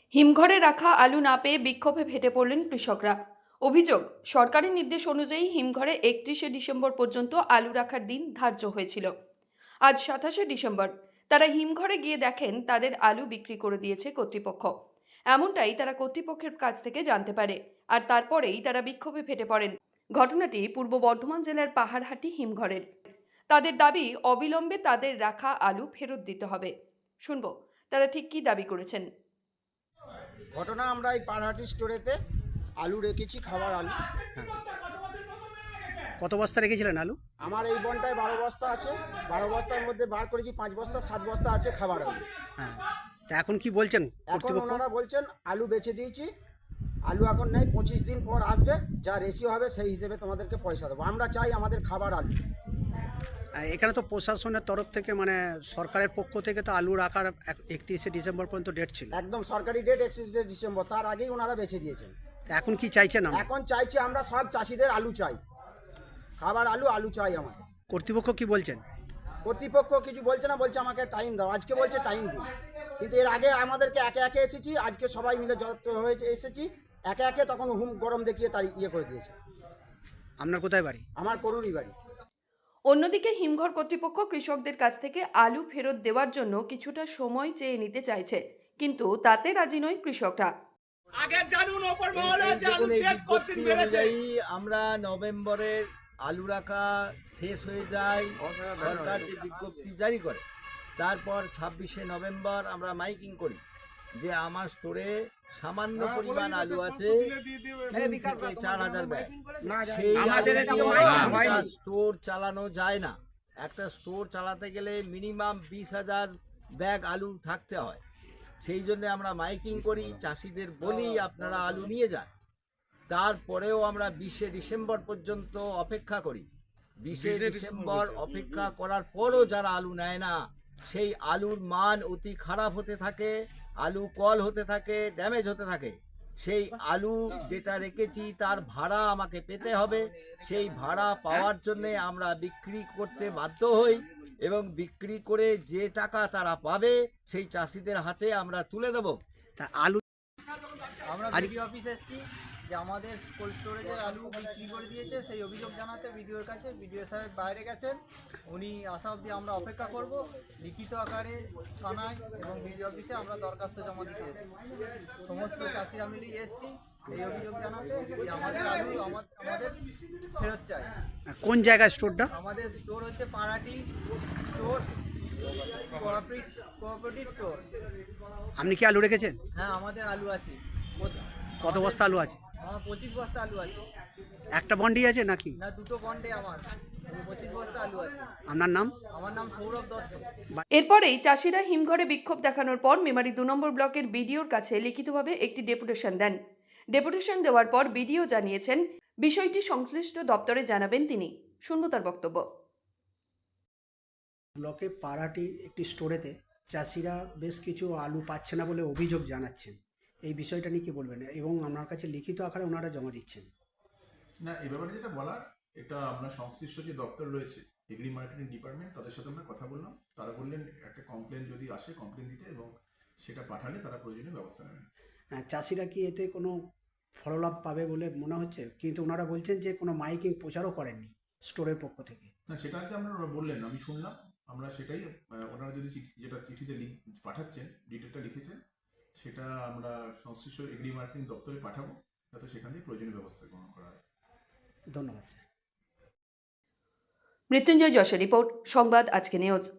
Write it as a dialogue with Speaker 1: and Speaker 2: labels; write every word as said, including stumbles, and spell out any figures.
Speaker 1: হিমঘরে রাখা আলু না পেয়ে বিক্ষোভে ফেটে পড়লেন কৃষকরা। অভিযোগ, সরকারি নির্দেশ অনুযায়ী হিমঘরে একত্রিশে ডিসেম্বর পর্যন্ত আলু রাখার দিন ধার্য হয়েছিল। আজ সাতাশে ডিসেম্বর। তারা হিমঘরে গিয়ে দেখেন তাদের আলু বিক্রি করে দিয়েছে কর্তৃপক্ষ। এমনটাই তারা কর্তৃপক্ষের কাছ থেকে জানতে পারে, আর তারপরেই তারা বিক্ষোভে ফেটে পড়েন। ঘটনাটি পূর্ব বর্ধমান জেলার পাহাড়হাটি হিমঘরের। তাদের দাবি, অবিলম্বে তাদের রাখা আলু ফেরত দিতে হবে। শুনব তারা ঠিক কী দাবি করেছেন।
Speaker 2: ঘটনা, আমরা এই পাহাড়হাটি স্টোরেতে আলু রেখেছি, খাবার আলু।
Speaker 3: হ্যাঁ, কত বস্তা রেখেছিলেন আলু?
Speaker 2: আমার এই বনটায় বারো বস্তা আছে। বারো বস্তার মধ্যে বার করেছি পাঁচ বস্তা, সাত বস্তা আছে খাবার আলু।
Speaker 3: হ্যাঁ, তা এখন কি বলছেন
Speaker 2: এখন
Speaker 3: কর্তৃপক্ষ?
Speaker 2: ওনারা বলছেন আলু বেচে দিয়েছি, আলু এখন নেই, পঁচিশ দিন পর আসবে, যা রেশিও হবে সেই হিসেবে তোমাদেরকে পয়সা দেবো। আমরা চাই আমাদের খাবার আলু।
Speaker 3: আহ, এখানে তো প্রশাসনের তরফ থেকে, মানে সরকারের পক্ষ থেকে তো আলু রাখার একত্রিশে ডিসেম্বর পর্যন্ত ডেট ছিল।
Speaker 2: একদম সরকারি ডেট একত্রিশে ডিসেম্বর, তার আগেই ওনারা বেচে দিয়েছেন।
Speaker 3: তা এখন কি চাইছেন? আমরা
Speaker 2: এখন চাইছি, আমরা সব চাষিদের আলু চাই, খাবার আলু আলু চাই আমাদের।
Speaker 3: কর্তৃপক্ষ কি বলছেন?
Speaker 2: কর্তৃপক্ষ কিছু বলছে না, বলছে আমাকে টাইম দাও। আজকে বলছে টাইম দিন, কিন্তু এর আগে আমাদেরকে একে একে এসেছি, আজকে সবাই মিলে যত হয়েছে এসেছি একে একে, তখন হুম গরম দেখিয়ে তার ইয়ে করে দিয়েছে।
Speaker 3: আপনার কোথায় বাড়ি?
Speaker 2: আমার করুরই বাড়ি।
Speaker 1: অন্যদিকে হিমঘর কর্তৃপক্ষ কৃষকদের কাছ থেকে আলু ফেরত দেওয়ার জন্য কিছুটা সময় চেয়ে নিতে চাইছে, কিন্তু তাতে রাজি নয় কৃষকরা।
Speaker 4: আগে জানুন ওপর মহলে যে আলু
Speaker 5: দেখুন, এই
Speaker 4: পেট করতে
Speaker 5: বিজ্ঞপ্তি
Speaker 4: পেরেছে।
Speaker 5: অনুযায়ী আমরা নভেম্বরের আলু রাখা শেষ হয়ে যায়, সরকার যে বিজ্ঞপ্তি জারি করে, তারপর ছাব্বিশে নভেম্বর আমরা মাইকিং করি যে আমার স্টোরে সামান্য পরিমাণ আলু আছে, তিন থেকে চার হাজার ব্যাগ। সেই আলু দিয়ে একটা স্টোর চালানো যায় না। একটা স্টোর চালাতে গেলে মিনিমাম বিশ হাজার ব্যাগ আলু থাকতে হয়। সেই জন্য আমরা মাইকিং করি, চাষিদের বলি আপনারা আলু নিয়ে যান। তারপরেও আমরা বিশে ডিসেম্বর পর্যন্ত অপেক্ষা করি। বিশে ডিসেম্বর অপেক্ষা করার পরও যারা আলু নেয় না, সেই আলুর মান অতি খারাপ হতে থাকে, আলু কল হতে থাকে, ড্যামেজ হতে থাকে। সেই আলু যেটা রেখেছি তার ভাড়া আমাকে পেতে হবে। সেই ভাড়া পাওয়ার জন্যে আমরা বিক্রি করতে বাধ্য হই, এবং বিক্রি করে যে টাকা তারা পাবে সেই চাষিদের হাতে আমরা তুলে দেব।
Speaker 3: তা আলু
Speaker 6: আমরা
Speaker 3: আজ-
Speaker 6: বিডিও অফিস এসেছি যে আমাদের কোল্ড স্টোরেজের আলু বিক্রি করে দিয়েছে, সেই অভিযোগ জানাতে বিডিওর কাছে। বিডিও সাহেব বাইরে গেছেন, উনি আসা অবধি আমরা অপেক্ষা করব। লিখিত আকারে থানায় এবং বিডিও অফিসে আমরা দরখাস্ত জমা দিতে এসেছি। সমস্ত চাষিরা মিলেই এসেছি এই অভিযোগ জানাতে যে আমাদের আলু আমা- আমাদের ফেরত চাই।
Speaker 3: কোন জায়গায় স্টোরটা?
Speaker 6: আমাদের স্টোর হচ্ছে পাড়াটি স্টোর, কোঅপারেটিভ কোঅপারেটিভ স্টোর।
Speaker 3: আপনি কি আলু রেখেছেন?
Speaker 6: হ্যাঁ, আমাদের আলু আছে। কত-
Speaker 3: কত বস্তা আলু আছে?
Speaker 6: আমার পঁচিশ বস্তা আলু আছে।
Speaker 3: একটা বন্ডি আছে নাকি?
Speaker 6: না, দুটো বন্ডে আমার পঁচিশ বস্তা আলু আছে।
Speaker 3: আপনার নাম?
Speaker 6: আমার নাম সৌরভ দত্ত।
Speaker 1: এরপরেই চাষিরা হিমঘরে বিক্ষোভ দেখানোর পর মেমারি দু নম্বর ব্লকের বিডিওর কাছে লিখিতভাবে একটি ডেপুটেশন দেন। ডেপুটেশন দেওয়ার পর বিডিও জানিয়েছেন বিষয়টি সংশ্লিষ্ট দপ্তরে জানাবেন তিনি। শুনব তার বক্তব্য।
Speaker 3: ব্লকে পাড়াটি একটি স্টোরেতে চাষিরা বেশ কিছু আলু পাচ্ছে না বলে অভিযোগ জানাচ্ছেন। এই বিষয়টা নিয়ে কি বলবেন, এবং আপনার কাছে লিখিত আকারে ওনারা জমা দিচ্ছেন?
Speaker 7: না, এ ব্যাপারে যেটা বলার, এটা আমরা সংশ্লিষ্ট যে দপ্তর রয়েছে এগ্রি মার্কেটিং ডিপার্টমেন্ট, তাদের সাথে আমরা কথা বললাম। তারা বললেন একটা কমপ্লেন যদি আসে কমপ্লেন দিতে, এবং সেটা পাঠালে তারা প্রয়োজনীয় ব্যবস্থা নেবেন।
Speaker 3: হ্যাঁ, চাষিরা কি এতে কোনো ফললাভ পাবে বলে মনে হচ্ছে? কিন্তু ওনারা বলছেন যে কোনো মাইকিং প্রচারও করেননি স্টোরের পক্ষ থেকে।
Speaker 7: না, সেটা আজকে আমরা ওরা বললেন, আমি শুনলাম। আমরা সেটাই আহ, ওনারা যদি চিঠি, যেটা চিঠিতে লিখ পাঠাচ্ছেন, ডিটেলটা লিখেছেন, সেটা আমরা সংশ্লিষ্ট এগ্রি মার্কেটিং দপ্তরে পাঠাবো, যাতে সেখান থেকে প্রয়োজনীয় ব্যবস্থা গ্রহণ করা হয়।
Speaker 3: ধন্যবাদ স্যার।
Speaker 1: মৃত্যুঞ্জয় যশের রিপোর্ট, সংবাদ আজকে নিউজ।